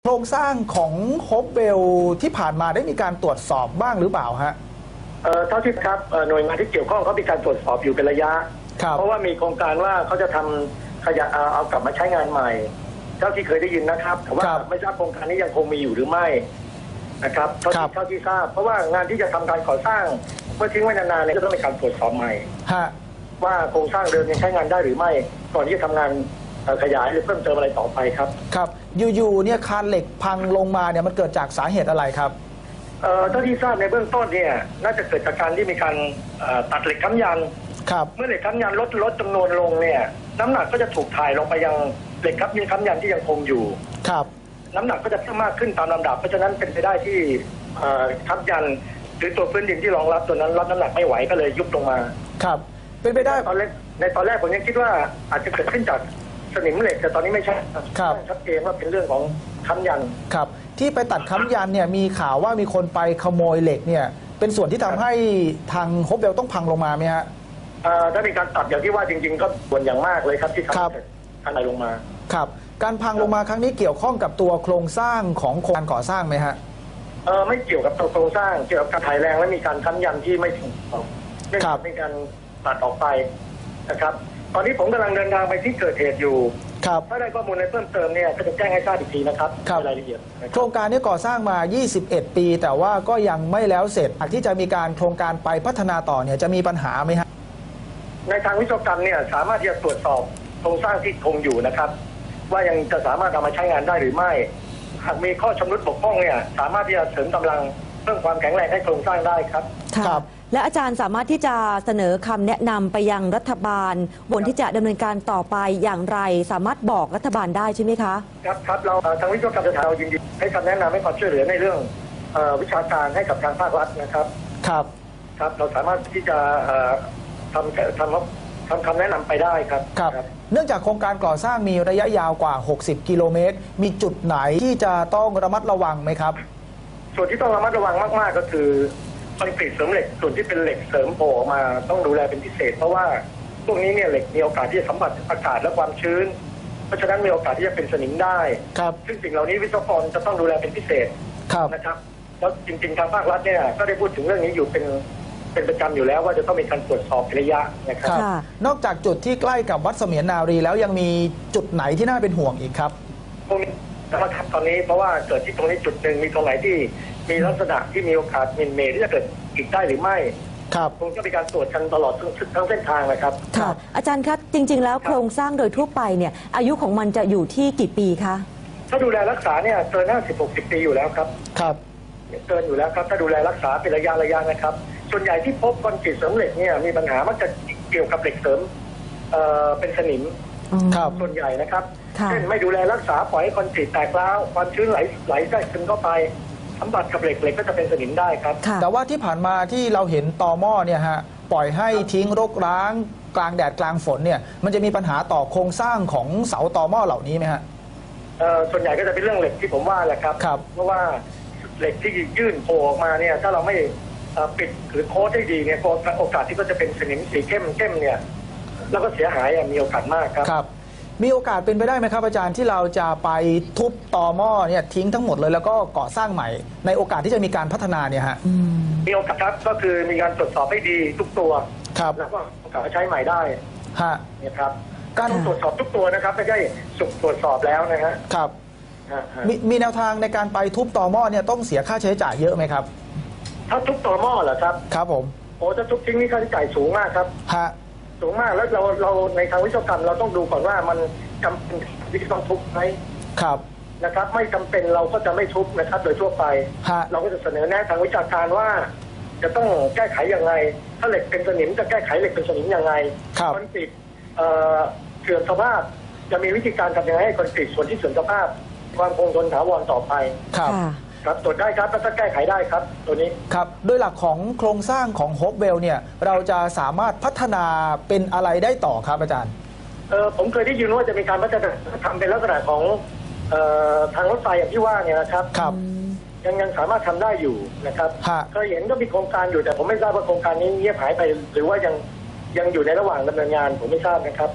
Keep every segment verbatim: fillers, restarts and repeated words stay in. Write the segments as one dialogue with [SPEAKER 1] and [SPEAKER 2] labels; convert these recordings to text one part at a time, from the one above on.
[SPEAKER 1] โครงสร้างของโฮปเวลที่ผ่านมาได้มีการตรวจสอบบ้างหรือเปล่าฮะ
[SPEAKER 2] เอ่อเท่าที่ครับหน่วยงานที่เกี่ยวข้องเขามีการตรวจสอบอยู่เป็นระยะเพราะว่ามีโครงการว่าเขาจะทำขยะเอากลับมาใช้งานใหม่เท่าที่เคยได้ยินนะครับแต่ว่าไม่ทราบโครงการนี้ยังคงมีอยู่หรือไม่นะครับเท่าที่เท่าที่ทราบเพราะว่างานที่จะทำการก่อสร้างเมื่อทิ้งไว้นานๆเนี่ยก็ต้องมีการตรวจสอบใหม่ว่าโครงสร้างเดิมยังใช้งานได้หรือไม่ก่อนที่จะทำงานขยายหรือเพิ่มเติมอะไรต่อไปครับ
[SPEAKER 1] ครับอยู่ๆเนี่ยคานเหล็กพังลงมาเนี่ยมันเกิดจากสาเหตุอะไรครับ
[SPEAKER 2] เอ่อเท่าที่ทราบในเบื้องต้นเนี่ยน่าจะเกิดจากการที่มีการตัดเหล็กค้ำยัน
[SPEAKER 1] ครับ
[SPEAKER 2] เมื่อเหล็กค้ำยันลดลดจำนวนลงเนี่ยน้ำหนักก็จะถูกถ่ายลงไปยังเหล็กค้ำยันค้ำยันที่ยังคงอยู่
[SPEAKER 1] ครับ
[SPEAKER 2] น้ำหนักก็จะเพิ่มมากขึ้นตามลำดับเพราะฉะนั้นเป็นไปได้ที่ค้ำยันหรือตัวพื้นดินที่รองรับตัวนั้นรับน้ำหนักไม่ไหวก็เลยยุบลงมา
[SPEAKER 1] ครับเป็นไปได้
[SPEAKER 2] ตอนแรกในตอนแรกผมยังคิดว่าอาจจะเกิดขึ้นจากสนิมเหล็กแต่ตอนนี้ไม่ใช่ชัดเจนว่าเป็นเรื่องของค้ำยัน
[SPEAKER 1] ครับที่ไปตัดค้ำยันเนี่ยมีข่าวว่ามีคนไปขโมยเหล็กเนี่ยเป็นส่วนที่ทำให้ทางโฮปเวลต้องพังลงมาไหมฮะ
[SPEAKER 2] ถ้ามีการตัดอย่างที่ว่าจริงๆก็ส่วนอย่างมากเลยครับที่ทำให้ทลายลงมา
[SPEAKER 1] ครับการพังลงมาครั้งนี้เกี่ยวข้องกับตัวโครงสร้างของโครงการก่อสร้างไหมฮะ
[SPEAKER 2] เออไม่เกี่ยวกับตัวโครงสร้างเกี่ยวกับการถ่ายแรงและมีการค้ำยันที่ไม่ถูกต้องไม่มีการตัดออกไปนะครับตอนนี้ผมกำลังเดินทางไปที่เกิดเหตุอยู่ถ้าได้ข้อมูลอะไรเพิ่มเติมเนี่ยก็จะแจ้งให้ทราบอีกทีนะครับรายละเอียด
[SPEAKER 1] โครงการนี้ก่อสร้างมายี่สิบเอ็ดปีแต่ว่าก็ยังไม่แล้วเสร็จหากที่จะมีการโครงการไปพัฒนาต่อเนี่ยจะมีปัญหาไหมฮะ
[SPEAKER 2] ในทางวิศวกรรมเนี่ยสามารถที่จะตรวจสอบโครงสร้างที่คงอยู่นะครับว่ายังจะสามารถเอามาใช้งานได้หรือไม่หากมีข้อชำรุดบกพร่องเนี่ยสามารถที่จะเสริมกำลังเพิ่มความแข็งแรงให้โครงสร้างได้ครับ
[SPEAKER 3] ครับและอาจารย์สามารถที่จะเสนอคำแนะนำไปยังรัฐบาลบนที่จะดำเนินการต่อไปอย่างไรสามารถบอกรัฐบาลได้ใช่ไหมคะ
[SPEAKER 2] ครับครับเราทางวิศวกรรมสถานเรายินดีให้คำแนะนำให้ความช่วยเหลือในเรื่องวิชาการให้กับทางภาครัฐนะครับ
[SPEAKER 1] ครับ
[SPEAKER 2] ครับเราสามารถที่จะทำทำทำคำแนะนำไปได้ครับ
[SPEAKER 1] ครับเนื่องจากโครงการก่อสร้างมีระยะยาวกว่าหกสิบกิโลเมตรมีจุดไหนที่จะต้องระมัดระวังไหมครับ
[SPEAKER 2] ส่วนที่ต้องระมัดระวังมากๆก็คือคอนกรีตเสริมเหล็กส่วนที่เป็นเหล็กเสริมโผล่ออกมาต้องดูแลเป็นพิเศษเพราะว่าพวกนี้เนี่ยเหล็กมีโอกาสที่จะสัมผัสอากาศและความชื้นเพราะฉะนั้นมีโอกาสที่จะเป็นสนิมได้
[SPEAKER 1] ครับ
[SPEAKER 2] ซึ่งสิ่งเหล่านี้วิศวกรจะต้องดูแลเป็นพิเศษนะครับแล้วจริงๆทางภาครัฐเนี่ยก็ได้พูดถึงเรื่องนี้อยู่เป็นเป็นประจำอยู่แล้วว่าจะต้องมีการตรวจสอบระยะนะครับ
[SPEAKER 1] นอกจากจุดที่ใกล้กับวัดเสมียนนารีแล้วยังมีจุดไหนที่น่าเป็นห่วงอีกครับ
[SPEAKER 2] พวกนี้นะครับตอนนี้เพราะว่าเกิดที่ตรงนี้จุดหนึ่งมีตรงไหนที่มีลักษณะที่มีโอกาสมินเมย์ที่จะเกิดอีกได้หรือไม่
[SPEAKER 1] ครับ
[SPEAKER 2] คงจะมีการตรวจกันตลอดทั้งเส้นทางนะครับ
[SPEAKER 3] ค่ะอาจารย์ครับจริงๆแล้วโครงสร้างโดยทั่วไปเนี่ยอายุของมันจะอยู่ที่กี่ปีคะ
[SPEAKER 2] ถ้าดูแลรักษาเนี่ยเกินห้าสิบหกสิบปีอยู่แล้วครับ
[SPEAKER 1] ครับ
[SPEAKER 2] เกินอยู่แล้วครับถ้าดูแลรักษาเป็นระยะระยะนะครับส่วนใหญ่ที่พบคอนกรีตเสริมเหล็กเนี่ยมีปัญหามักจะเกี่ยวกับเหล็กเสริมเอ่อเป็นสนิมส่วนใหญ่นะครับเช่นไม่ดูแลรักษาปล่อยให้คอนกรีตแตกร้าวความชื้นไหลไหลแทรกซึมเข้าไปสัมผัสกับเหล็กเหล็กก็จะเป็นสนิมได้ครับ
[SPEAKER 1] แต่ว่าที่ผ่านมาที่เราเห็นตอหม้อเนี่ยฮะปล่อยให้ทิ้งรกร้างกลางแดดกลางฝนเนี่ยมันจะมีปัญหาต่อโครงสร้างของเสาตอหม้อเหล่านี้ไหมฮะ
[SPEAKER 2] เอ่อส่วนใหญ่ก็จะเป็นเรื่องเหล็กที่ผมว่าแหละครับเพราะว่าเหล็กที่ยื่นโผล่ออกมาเนี่ยถ้าเราไม่ปิดหรือโค้ดได้ดีเนี่ยโอกาสที่ก็จะเป็นสนิมสีเข้มเข้มเนี่ยแล้วก็เสียหายมีโอกาสมากครับ
[SPEAKER 1] ครับมีโอกาสเป็นไปได้ไหมครับอาจารย์ที่เราจะไปทุบตอหม้อเนี่ยทิ้งทั้งหมดเลยแล้วก็ก่อสร้างใหม่ในโอกาสที่จะมีการพัฒนาเนี่ยฮะ
[SPEAKER 2] มีโอกาสครับก็คือมีการตรวจสอบให้ดีทุกตัว
[SPEAKER 1] ครับ
[SPEAKER 2] แล้วก็โอกาสใช้ใหม่ได้
[SPEAKER 1] ฮะ
[SPEAKER 2] เนี่ยครับการตรวจสอบทุกตัวนะครับไม่ใช่สุกตรวจสอบแล้วนะฮะ
[SPEAKER 1] ครับมีมีแนวทางในการไปทุบตอหม้อเนี่ยต้องเสียค่าใช้จ่ายเยอะไหมครับ
[SPEAKER 2] ถ้าทุบตอหม้อเหรอครับ
[SPEAKER 1] ครับผม
[SPEAKER 2] โอ้ถ้าทุบทิ้งนี่ค่าใช้จ่ายสูงมากครับ
[SPEAKER 1] ฮะ
[SPEAKER 2] สูงมากแล้วเราเราในทางวิศวกรรมเราต้องดูก่อนว่ามันจำเป็นที่ต้องทุบไหม
[SPEAKER 1] ครับ
[SPEAKER 2] นะครับไม่จำเป็นเราก็จะไม่ทุบนะครับโดยทั่วไปเราก็จะเสนอแนะทางวิชาการว่าจะต้องแก้ไขอย่างไรถ้าเหล็กเป็นสนิมจะแก้ไขเหล็กเป็นสนิมอย่างไรคอนกรีตเสื่อมสภาพจะมีวิธีการทำยังไงให้คอนกรีตส่วนที่เสื่อมสภาพความคงทนถาวรต่อไป
[SPEAKER 1] ครับ
[SPEAKER 2] ครับตรวจได้ครับถ้าแก้ไขได้ครับตัวนี้
[SPEAKER 1] ครับโดยหลักของโครงสร้างของโฮปเวลเนี่ยเราจะสามารถพัฒนาเป็นอะไรได้ต่อครับอาจารย์
[SPEAKER 2] เออผมเคยได้ยินว่าจะมีการพัฒนาทำเป็นลักษณะของเอ่อทางรถไฟอย่างที่ว่าเนี่ยนะครับ
[SPEAKER 1] ครับ
[SPEAKER 2] ยังยังสามารถทำได้อยู่นะครับเคยเห็นก็มีโครงการอยู่แต่ผมไม่ทราบว่าโครงการนี้เงียบหายไปหรือว่ายังยังอยู่ในระหว่างดำเนินงานผมไม่ทราบนะครับ
[SPEAKER 1] ครับ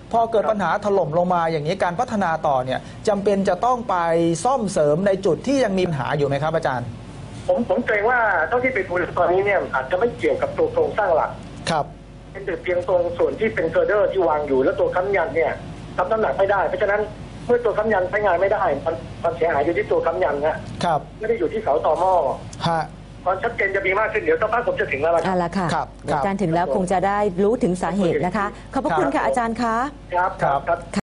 [SPEAKER 1] พอเกิดปัญหาถล่มลงมาอย่างนี้การพัฒนาต่อเนี่ยจำเป็นจะต้องไปซ่อมเสริมในจุดที่ยังมีปัญหาอยู่ไหมครับอาจารย์
[SPEAKER 2] ผมผมเกรงว่าเท่าที่ไปดูตอนนี้เนี่ยอาจจะไม่เกี่ยวกับตัวโครงสร้างหลัก
[SPEAKER 1] ครับ
[SPEAKER 2] เป็นแต่เพียงตรงส่วนที่เป็นเกอร์เดอร์ที่วางอยู่แล้วตัวค้ำยันเนี่ยรับน้ำหนักไม่ได้เพราะฉะนั้นเมื่อตัวค้ำยันใช้งานไม่ได้ความเสียหายอยู่ที่ตัวค้ำยันนะครับไม่ได้อยู่ที่เสาต่อหม้อ
[SPEAKER 1] ฮะ
[SPEAKER 2] ความชัดเจนจะมีมากขึ้นเดี๋ยวสักพักผมจะถึงแล้วล่ะ
[SPEAKER 3] อ่าละค่ะอาจารย์ถึงแล้วคงจะได้รู้ถึงสาเหตุนะคะขอบพระคุณค่ะอาจารย์คะ
[SPEAKER 2] ครับครับ